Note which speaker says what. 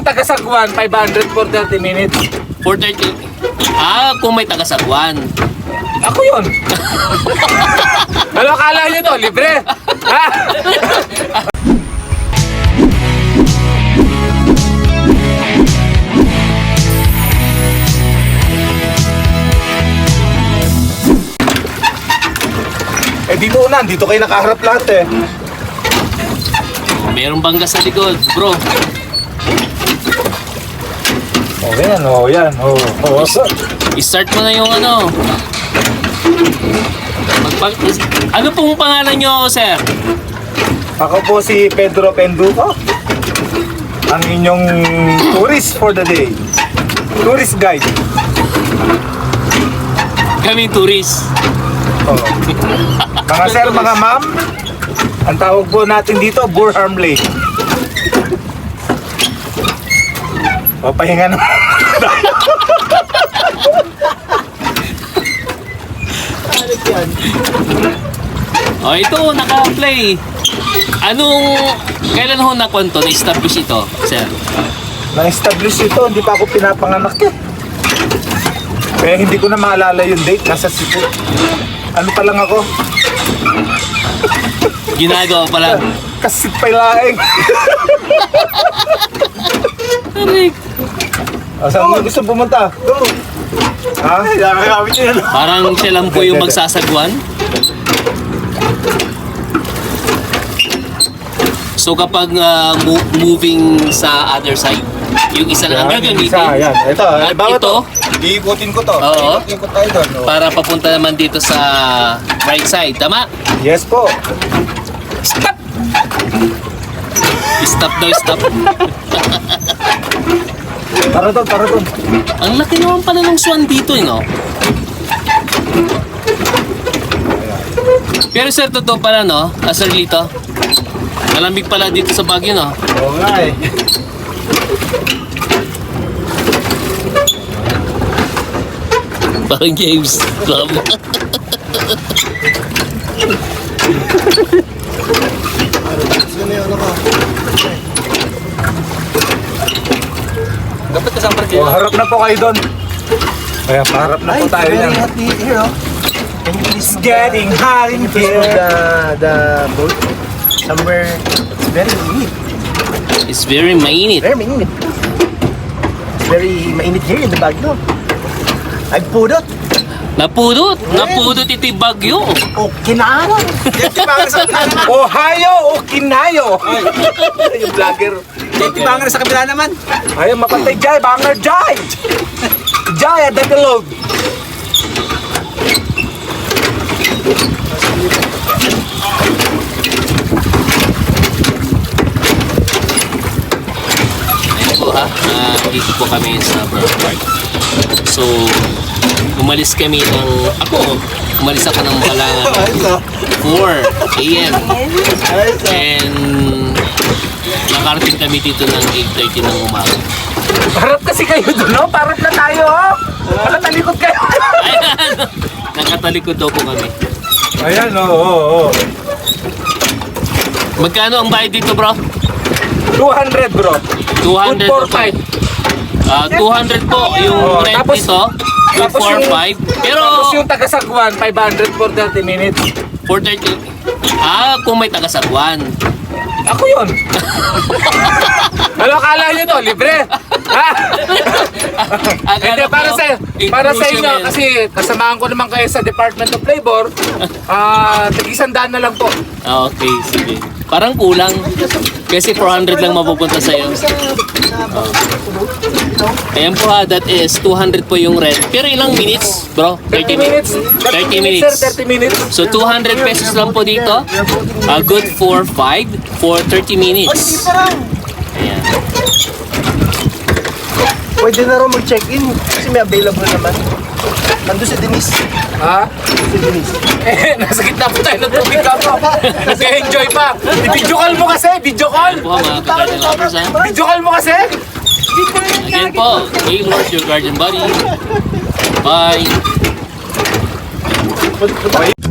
Speaker 1: taga-Sagwan, 500 for 30 minutes.
Speaker 2: 4:30. Kung may taga-Sagwan.
Speaker 1: Ako yun. Ano akala nyo to? Libre? Ha? Dito na, dito kayo nakaharap lahat eh.
Speaker 2: Merong bangga sa likod, bro.
Speaker 1: Yan.
Speaker 2: I-start mo na yung ano. Ano pong pangalan nyo, sir?
Speaker 1: Ako po si Pedro Penduco. Ang inyong tourist for the day. Tourist guide.
Speaker 2: Kaming tourist.
Speaker 1: Mga sir, mga ma'am, ang tawag po natin dito, Burham Lake. Pahinga na.
Speaker 2: Ito, naka-play. Kailan ho na-kwanto, na-establish ito, sir?
Speaker 1: Na-establish ito, hindi pa ako pinapanganak eh. Kaya hindi ko na maalala yung date, nasa Cebu. Ano pa lang ako?
Speaker 2: Ginagawa pa lang.
Speaker 1: Kasit pa laing. Saan mo gusto pumunta? Go! Ha?
Speaker 2: Parang siya lang po yung magsasagwan. So kapag moving sa other side, yung isa lang ang gagamitin.
Speaker 1: Yan. Ito,
Speaker 2: At ito,
Speaker 1: iikutin ko to.
Speaker 2: Oo.
Speaker 1: Iikutin ko tayo doon.
Speaker 2: para papunta naman dito sa right side. Tama?
Speaker 1: Yes po.
Speaker 2: Stop! Stop daw, stop.
Speaker 1: Para doon.
Speaker 2: Ang laki naman pala ng swan dito, no? Pero sir, totoo pala, no? Sir Lito, malamig pala dito sa Baguio, no?
Speaker 1: Oo nga eh.
Speaker 2: Parang James Club. Dapat kasang parking.
Speaker 1: Harap na po kayo doon. Kaya paharap na po tayo yan. It's getting hot in here.
Speaker 3: The boat somewhere. It's very humid.
Speaker 2: It's very mainit.
Speaker 3: Very humid. It's very mainit here in the Baguio. I pudot.
Speaker 2: Napudot ito yung Baguio.
Speaker 3: Okinawa.
Speaker 1: Ohio o Kinayo. Yung vlogger.
Speaker 3: Banger sa kabila naman.
Speaker 1: Ayaw mapantay Jai, banger Jai. Jai at the load.
Speaker 2: Ayun po ha, dito po kami sa Burr Park. So, umalis ako ng mga 4 a.m. And nakarating kami dito ng 8:30 ng umaga.
Speaker 1: Harap kasi kayo doon, no? Parap na tayo, oh. Nakatalikod kayo.
Speaker 2: Ayan! Nakatalikod daw po kami.
Speaker 1: Ayan, oo.
Speaker 2: Magkano ang bayad dito, bro?
Speaker 1: 200, bro.
Speaker 2: 200
Speaker 1: Good for
Speaker 2: po.
Speaker 1: 5.
Speaker 2: 200 po yung rent
Speaker 1: tapos-
Speaker 2: nito. Good
Speaker 1: tapos
Speaker 2: for
Speaker 1: yung-
Speaker 2: 5. Pero
Speaker 1: Tapos yung taga-Sagwan, 500 for 30 minutes.
Speaker 2: 4:30. Kung may taga-Sagwan.
Speaker 1: Ako yun. Ano akala nyo to? Libre? Ha? Hindi, para sa inyo, kasi kasamahan ko naman kayo sa Department of Labor, tag-100 na lang po.
Speaker 2: Okay, sige. Parang kulang. Kasi 400 lang mapupunta sa'yo. Ayan po ha, that is 200 po yung rent. Pero ilang minutes, bro?
Speaker 1: 30 minutes.
Speaker 2: 30 minutes.
Speaker 1: Sir, 30 minutes.
Speaker 2: So 200 pesos lang po dito. Good for 5 for 30 minutes. Ayan.
Speaker 3: Pwede na raw mag-check-in kasi may available naman. Nandun si Denise.
Speaker 1: Ha?
Speaker 3: Si Denise.
Speaker 1: Nasa gitna po tayo ng tubig ka po. Nag-enjoy pa. Video call mo kasi, video call.
Speaker 2: Po mga ka-garden lovers ha.
Speaker 1: Video call mo kasi.
Speaker 2: Again po, Gaylord, your guardian buddy. Bye.